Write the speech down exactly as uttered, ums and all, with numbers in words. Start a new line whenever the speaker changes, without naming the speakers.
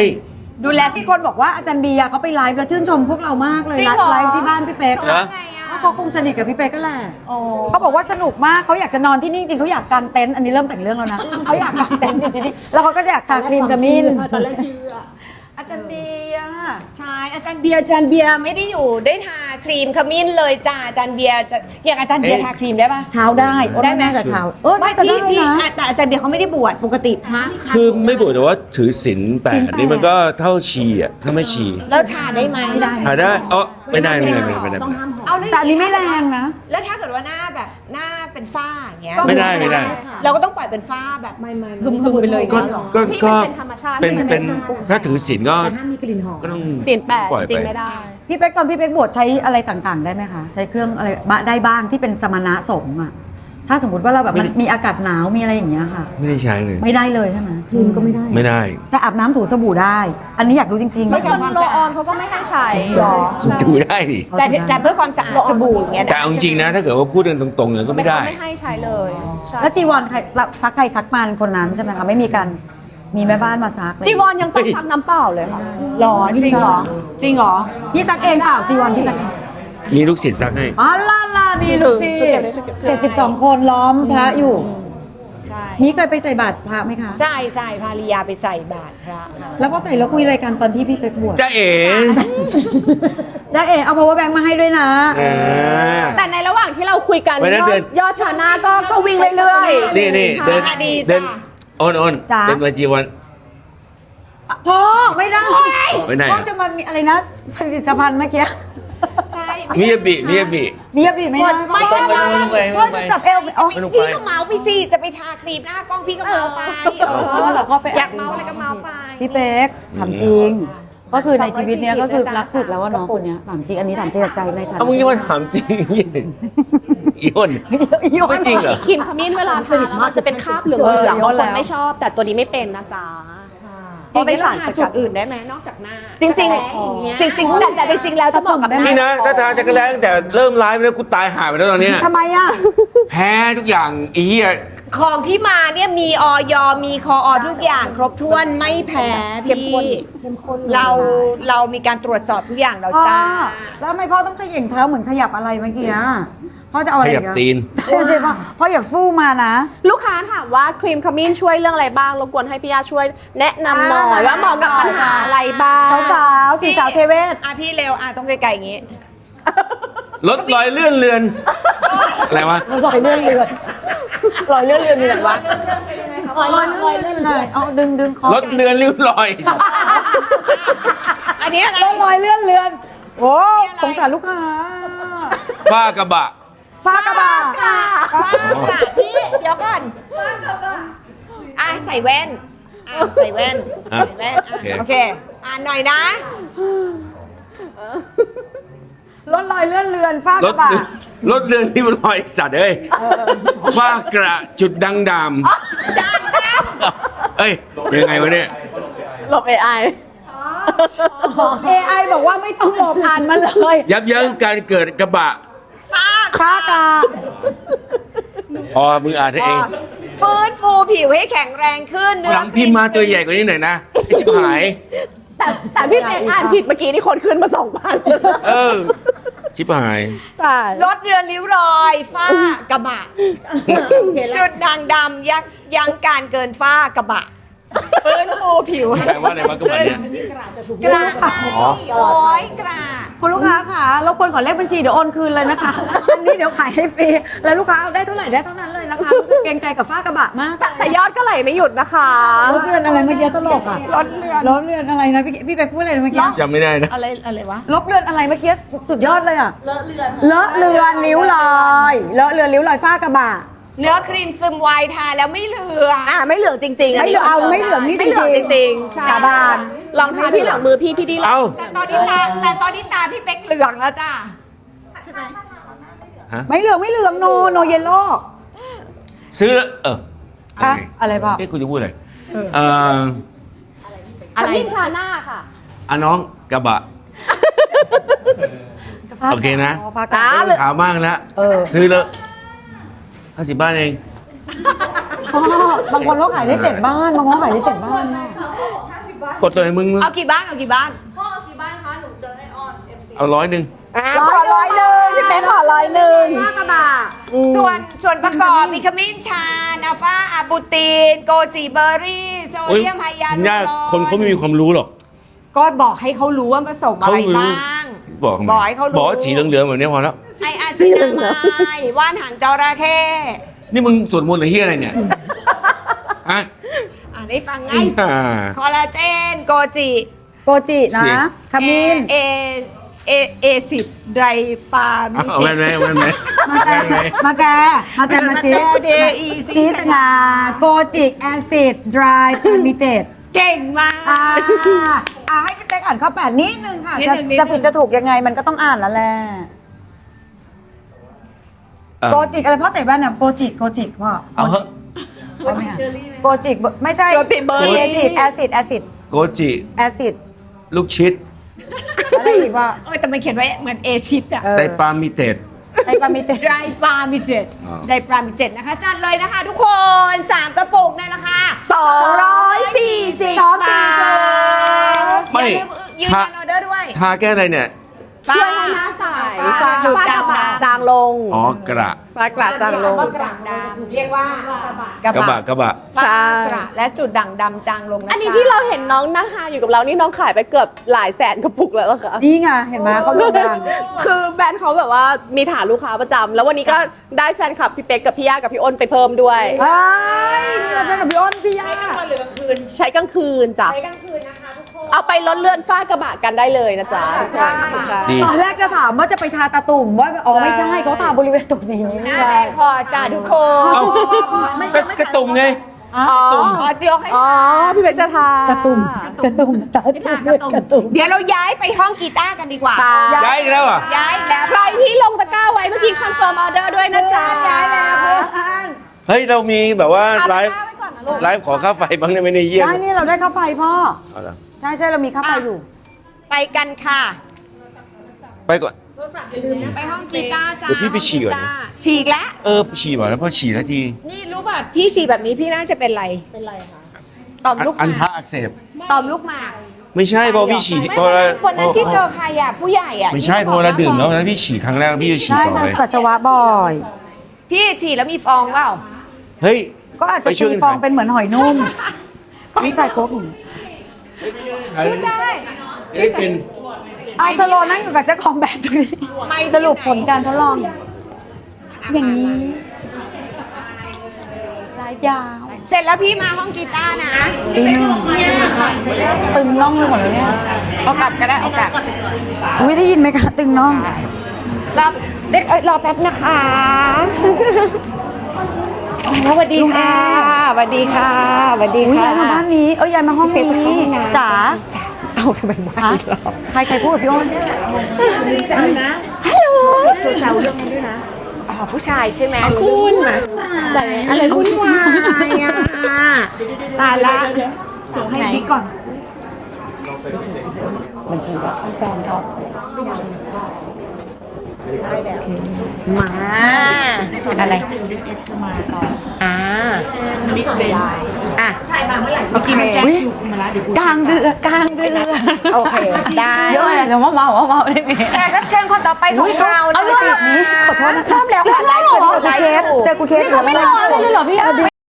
ดูแลที่คนบอกว่าอาจารย์เบียร์เขาไปไลฟ์แล้วชื่นชมพวกเรามากเลยนะไลฟ์ที่บ้านพี่เป๊กนะเขาคงสนิทกับพี่เป๊กก็แหละเขาบอกว่าสนุกมากเขาอยากจะนอนที่นี่จริงเขาอยากกางเต็นท์อันนี้เริ่มแต่งเรื่องแล้วนะเขาอยากกางเต็นท์จริงๆแล้วเขาก็จะอยากทาครีมขมิ้นตอนแรกเชื่ออาจารย์เบียร์
ใช่อาจารย์เบียร์อาจารย์เบียร์ไม่ได้อยู่ได้ทาครีมขมิ้นเลยจ้าอาจารย์เบียร์จะอย่างอาจารย์เบียร์ทาครีมได้ปะ
เช้าได้ได้ไหมแต่เช้าเออ
ไม่
จะได้
พี่
นะ
แต่อาจารย์เบียร์เขาไม่ได้บวชปกติพระ
คือไม่บวชแต่ว่าถือศีลแปดนี่มันก็เท่าชีอ่ะถ้าไม่ชี
แล้วทาได้ไหม
ไม่ได้
หาได้เออไม่ได้ไม่ได้ไม่ได้ไม่ได้
เอาเลย
แต่อันนี้ไม่แรงนะ
แล้วถ้าเกิดว่าหน้าแบบหน้าเป็นฝ้าอย่างเงี้ย
ไม่ได้ไม่ได้
เราก็ต้องปล่อยเป็นฝ้าแบบหึมๆไปเลย
ก็ก็ก็
เป็นธรรมชาติ
เป็นเป็นถ้าถือศีลก็
ห้ามมีกลิ่นหอม
ก็ต้อง
ศีลแปด
ปล่อย
จริ
ไป
งไม่ได้
พี่เป๊กตอนพี่เป๊กบวชใช้อะไรต่างๆ ได้ไหมคะ ใช้เครื่องอะไรบ้างได้บ้างที่เป็นสมณะสงฆ์อะถ้าสมมติว่าเราแบบมันมีอากาศหนาวมีอะไรอย่างเงี้ยค่ะ
ไม่ได้ใช้เลย
ไม่ได้เลยใช่ไหมครีมก็ไม่ได้
ไม่ได้
แต่อาบน้ำถูสบู่ได้ อันนี้อยากรู้จริงๆ
ไม่
นะ
ทำความสะอาด
เขาก็ไม่ให้ใช้
ถือได้ดิ
แต่แต่เพื่อความสะอาดสบู่อย่างเงี้ย
แต่เอาจริงๆนะถ้าเกิดว่าพูดกันตรงๆเนี่ยก็ไม่ได้
ไม่ให้ใช้เลยใช่
แล้วจีวรใครซักใครซักมันคนนั้นใช่ไหมคะไม่มีการมีแม่บ้านมาซักเลย
จีวรยังต้องซักน้ำเปล่าเลยค่ะ
หรอจริงเหรอจริงเหรอ
พี่ซักเองเปล่าจีวรพี่ซักเอง
มีลูกศิษย์ซักให้
อ๋อล่าล่ามีลูกศิษย์เจ็ดสิบสองคนล้อมพระอยู่
ใช่
มีเคยไปใส่บาตรพระไหมคะ
ใช่ใส่ภาริยาไปใส่บาตรพระค่ะ
แล้วพอใส่แล้วคุยอะไรกันตอนที่พี่เป๊กบวช
จ้าเอ๋
จ้าเอ๋เอา power bank มาให้ด้วยนะ
อ่า
แต่ในระหว่างที่เราคุยกัน
วันนั้น
ยอ
เดิ
ด
น
ยอดชาหน้าก็ก็วิ่งเรื่อยๆ
นี่นี่เดิน
ค่ะดี
เดิน
จ้ะ
โอนโอน
จ๊ะ
เดินมาจีวัน
พ่อไม่ได้
ไม่ได้
พ่อจะมามีอะไรนะผลิตภัณฑ์เมื่อกี้
ใช่
มิยาบิมิยาบิ
มียาบีไม่ได้
ไม่
พ่อ
เป็นไร
พ่อจะจับเอวไปอ๋อ
ไม่ต้อง
พี่
ไป
ก็เมาไปสิจะไปทาครีมหน้ากล้องพี่ก็เมาไปเอ
อเหรอพ่อไป
อยากเมาอะไรก็เมาไป
พี่เป๊กถามจริง ก็คือในชีวิตเนี้ยก็คือรักสุดแล้วว่าน้องคนเนี้ยถามจริงอันนี้ถามจริงจากใจในฐานะ
เอามึงยังมาถามจริงอีอ้นไม่จริงเหรอ
ครีมขมิ้นเวลาทาแล้วมันจะเป็นคราบเหลืองๆบางคนไม่ชอบ แต่ตัวนี้ไม่เป็นนะจ๊ะ
พอไปทาจุดอื่นได้ไหมนอกจากหน้า
จริงๆ
แผลอย่างเงี้ย
จริงๆแต่แต่จริงๆแล้วจะเหมาะกับห
นี่
น้า
นะถ้าทาจักรแล้ตั้งแต่เริ่มไลฟ์แล้วกูตายหายไปแล้วตอนเนี้ย
ทำไมอ่ะ
แพ้ทุกอย่างอีเหี้ย
ของที่มาเนี่ยมีออยมีคออทุกอย่างครบถ้วนไม่แพ้พี่เราเรามีการตรวจสอบทุกอย่างเรา
พ่อ
จ้า
แล้วทำไมพ่อต้องเขย่งเท้าเหมือนขยับอะไรเมื่อกี้อ่ะพ่อจะเอาอะไร
ข
อี
ยับ
กอะ
ตีน
ใช่สิพ่อพ่ออย่าฟู่มานะ
ลูกค้าถามว่าครีมขมิ้นช่วยเรื่องอะไรบ้างรบกวนให้พี่ยาช่วยแนะนำหน่อยว่าเหมาะกับปัญหาอะไรบ้าง
สาวๆสีสาวเทเวศ
อ่ะพี่เร็วอ่ะต้องไกลๆอย่างงี้
ลดรอยเลื่อนเลือน อะไรวะ
รอยเลื่อนเลือน
รอยเลื่อนเลื่อนมีอะไรวะ
รอยเลื่อนเลือนเลยเอาดึงดึงคอ
ลดเลือนริ้วรอย
อันนี้อะไร
รอยเลื่อนเลือนโอ้สงสารลูกค้า
ฝ้ากระบะ
ฟ้ากระบะ
ค่ะพี่เดี๋ยวก่อนอ่ะใส่แว่นอ่ะใส่แว่น
อ่ะ
ใส่แว่นอ่ะ
โอเค
โอเคอ่านหน่อยนะ
รถลอยเลื่อนเลือนฟ้าก
ล
ระ
ด
บะ
ลดเลือนริ้วรอยสัตว์เอ้ยฝ้ากระจุดดังดำเอ้ยยังไงวะเนี่ย
หลบ เอ ไอ
เอไอบอกว่าไม่ต้องหลบอ่านมาเลย
ยับยั้งการเกิดกระบะ
ฟ้า
ฟ้ากระ
พอมึงอ่านให้เอง
ฟื้นฟูผิวให้แข็งแรงขึ้นเนื้
หลังพิมพ์มาตัวใหญ่กว่านี้หน่อยนะไอ้ชิบหาย
แต่แต่พี่เป๊กอ่านผิดเมื่อกี้นี่คนขึ้นมาสองพัน
เออ ชิบหาย
ตาย
ลดเรือนริ้วรอยฝ้ากระบะ จุดด่างดำยักยั้งการเกินฝ้ากระบะฟื้นฟูผิว
แปลว่าอะไรวะกระบะเนี่ย
กระโอ้ยกระ
คุณลูกค้าค่ะรบกวนขอเลขบัญชีเดี๋ยวโอนคืนเลยนะคะ อันนี้เดี๋ยวขายให้ฟรี แล้วลูกค้าเอาได้เท่าไหร่ได้เท่านั้นเลยนะคะรู้สึกเกรงใจกับฟ้ากระบะมาก
แต่ยอดก็ไหลไม่หยุดนะคะ
รถเรือนอะไรเมื่อกี้ตลกอ่ะรถเรือนรถเรือนอะไรนะพี่พี่ไปพูดอะไรนะเมื่อกี้
จำไม่ได้นะ
อะไรอะไรวะ
ลบเรือนอะไรเมื่อกี้สุดยอดเลยอ่ะเลอะเรือนเลอะเรือนนิ้วลอยเลอะเรือนนิ้วลอยฟ้ากระบะ
เนื้อครีมซึมไวทาแล้วไม่เหลือง
อ่าไม่เหลืองจริงๆ
ไม่เหลืองเอาไม่เหลืองนี่
ไม่เหลือง
จ
จ
ริงๆ
ริงๆใช่
สาบาน
ลองทาที่หลังมือพี่พี่ดี
เอ้า
แต่ตอนนี้ตาแต่ตอนนี้ตาพี่เป๊กเหลืองแล้วจ้า
ไม่เหลืองไม่เหลืองโนโนเยลโล่
ซื้อ เออ
อะอะไรเปล่า
เอ้คุณจะพูดอะไรเอ่อ
อะไรขมิ้นชาหน้าค่ะ
อ่ะน้องกระบะ โอเคนะ
ฟ้ากระบะ
อ่า
ขาวมากแล้ว
เออ
ซื้อแล้วห้าสิบบ้านเอง
พ่อบางคนเขาขายได้เจ็ดบ้านบางคนเขาขายได้เจ็ดบ้านแม่
กดตัวไหนมึง
เอากี่บ้านเอากี่บ้าน
เอาร้อยหนึ่ง
ขอร้อยหนึ่งพี่เป๊กขอร้อยหนึ่งห้ากระบะ
ส่วนส่วนประกอบมีขมิ้นชันอัลฟาอาบูติน โกจิเบอร์รี่ โซเดียมไฮยาลู
ยาก
รอน
คนเขาไม่มีความรู้หรอก
ก็บอกให้เขารู้ว่าผสมอะไร
เขารู้
บ้าง
บอกทำไม
บอกให้เขารู้
บอกว่าสีเหลืองๆแบบนี้พอแล้ว
ไออาซินามายว่านหางจระเข้
นี่มึงสวดมนต์หรือเฮียอะไรเนี่ยอ่ะ
อ่านได้ฟังไง
อ่า
คอลลาเจน โกจิ
โกจินะขมิ้น
เอเอเอซิดไดรปามิ
เอาแว่นไหมเอาแว่นไหม
มาแกมาแกมาแกมาซิ
เดอี
ซีสงาโกจิแอซิดดรายพามิเตด
เก่งมาก
อ่าอ่าให้พี่เป๊กอ่านข้อแปดนิดนึงค่ะ
นิด
จะ
นึงนิดนึง
จะผิดจะถูกยังไงมันก็ต้องอ่านแล้วแหละ
อ่ะ
โกจิอะไรพ่อใส่แว่นเนี่ยโกจิโกจิพ่อ
เอาเหอะ
เอาไหมอะโกจิไม่ใช่
โกจิเบอร์รี่
แอซิดแอซิดแอซิด
โกจิ
แอซิด
ลูกชิด
อะไรอีกว่า
เออแต่มันเขียนไว้เหมือนเอชิดอะ
เออ
ไตปามิเตด
ไอปามิเตด
ไดรปามิเจ็ด
อ๋อ
ไดรปามิเจ็ดนะคะ จัดเลยนะคะทุกคนสามกระปุกในราคา
สองร้อยสี่สิบสองสี่สิบ
ไม่
ยืนยันออเดอร์ด้วย
ทาแก้อะไรเนี่ย
ฟ้า
ช่วยให้หน้าใส
ฟ้า
จุด
ฟ้า
ด่าง
ฟ้า
จางลง
อ๋อกระ
ฟ้ากระจางลง
กระดำเรียกว่ากระ
กระบะ
บะ
กระบะ
ฟ้า
ใช่
กระและจุดด่างดำจางลงนะ
อันนี้
จ๊ะ
ที่เราเห็นน้องนั่งหาอยู่กับเรานี่น้องขายไปเกือบหลายแสนกระปุกแล้วเหรอคะ
นี่ไงเห็นไหมเขาโด่งดัง
คือแบรนด์เขาแบบว่ามีฐานลูกค้าประจำแล้ววันนี้ก็ได้แฟนคลับพี่เป๊กกับพี่ย่ากับพี่อ้นไปเพิ่มด้วย
เอ้ยนี่เราเจอกับพี่อ้นพี่ย่า
ใช้กลางคืนจ้ะ
ใช้กลางคืนนะคะทุกคน
เอาไปลดเลื่อนฝ้ากระบะกันได้เลยนะจ๊ะ
ใช่
ใช่
ดี
ตอนแรกจะถามว่าจะไปทาตาตุ่มว่าอ๋อไม่ใช่เขาทาบริเวณตรงนี้
หน้า
ใช่
แดงคอจ้าทุกคน
เอา
ไม่
ก็กระตุ่มไง
อ๋อ
ขอยกให้
อ๋อพี่เป๊กจะทาก
ระตุ่มกระตุ่มตาตุ่มกระตุ่ม
เดี๋ยวเราย้ายไปห้องกีตาร์กันดีกว่า
ตา
ย้ายอีกแล้วอ่ะ
ย้ายแล้ว
ใครที่ลงตะกร้าไว้เมื่อกี้คอนเฟิร์มออเดอร์ด้วยนะจ๊ะ
ย้ายแล้วเพื่อน
เฮ้ย เรามีแบบว่า
เอา
ไล
ตะ
ฟ์
กร้าไว้ก่อนนะลูก
ไลฟ์ขอค่าไฟบ้างได้ไหมในยเยี่ยม
ได้นี่เราได้ค่าไฟพ่อ
เอาล่ะ
ใช่ใช่เรามีค่าไฟอยู่
ไปกันค่ะ
ไปก่อน
ไปห้องกีตาร์จ้า
เดี๋ยวพี่ไปฉี่ก่อนนะ
ฉีกแล้ว
เออฉี่บ่อยแล้วพอฉี่แล้วที
นี่รู้ป่ะพี่ฉี่แบบนี้พี่น่าจะเป็นไร เป็นไรคะต่อมลูกห
อัน
มา
ทะอักเสบ
ต่อมลูกหมาก
ไม่ใช่พอพี่ฉี่
ไม่
พอ
วัน
เรา
นั้นวันนั้นที่เจอใครอ่ะผู้ใหญ่อ่ะ
ไม่ใช่พอเราดื่มแล้วนะพี่ฉี่ครั้งแรกพี่จะฉี่
ใช่
ต่อ
ทำ
เลย
ปัสสาวะบ่อย
พี่ฉี่แล้วมีฟองเปล่า
เฮ้ย
ก็อาจจะ
ไปช่วย
ตี
กัน
ฟอง
ขาย
เป็นเหมือนหอยนุ่มนี่ใส่โค้กหนึ่ง
ได้
ได้เป็น
เอาสโลนั่งอยู่กับเจ้าของแบรนด์ตรงนี้
ไม่
สรุปผลการทดลอง อย่างนี้ลายยาว
เสร็จแล้วพี่มาห้องกีตาร์นะ
ตีหนึ่งตึงน่องไปหมดแล้วเนี่ย
เอากลับก็ได้เอากลับ
อุ้ยได้ยินไหมคะตึงน่อง
รอเด็กเอ้ยรอแป๊บนะคะสวัสดีค่ะสวัสดีค่ะสวัสดี
อุ้ย
ค่ะ
ย้ายมาบ้านนี้ เอ้ยย้ายมาห้องนี้
ไปเข้าห้องน้ำ
จ๋า
เอาทำไมบ้านอีกรอบ
ใครใครพูดกับพี่อ้น
ฮัลโหลแซวเรื่องนั้นด้วยนะอ๋อผู้ชายใช่ไหมคุณใส่อะไรวุ่นวายอ่ะตายละ
ส่งให้บิ๊กก่อนบัญชีว่าแฟนเขา
มาอะไรอ่าอ่ะเมื่อกี้มันแจ้ง
กลางเดือนกลางเดือน
โอเคได้
เยอะเลยเดี๋ยวมาเมาเมาเมาได้ไหม
แขกรับเชิญคนต่อไปของเรา
เอา
นะ
เรื่องนี้ขอโทษนะคะ
เริ่มแล้วค่ะไลฟ์สดไลฟ์
เจอกูเคสเจอกูเคส
นี่เขาไม่รอเลยเหรอพี่อ้ำ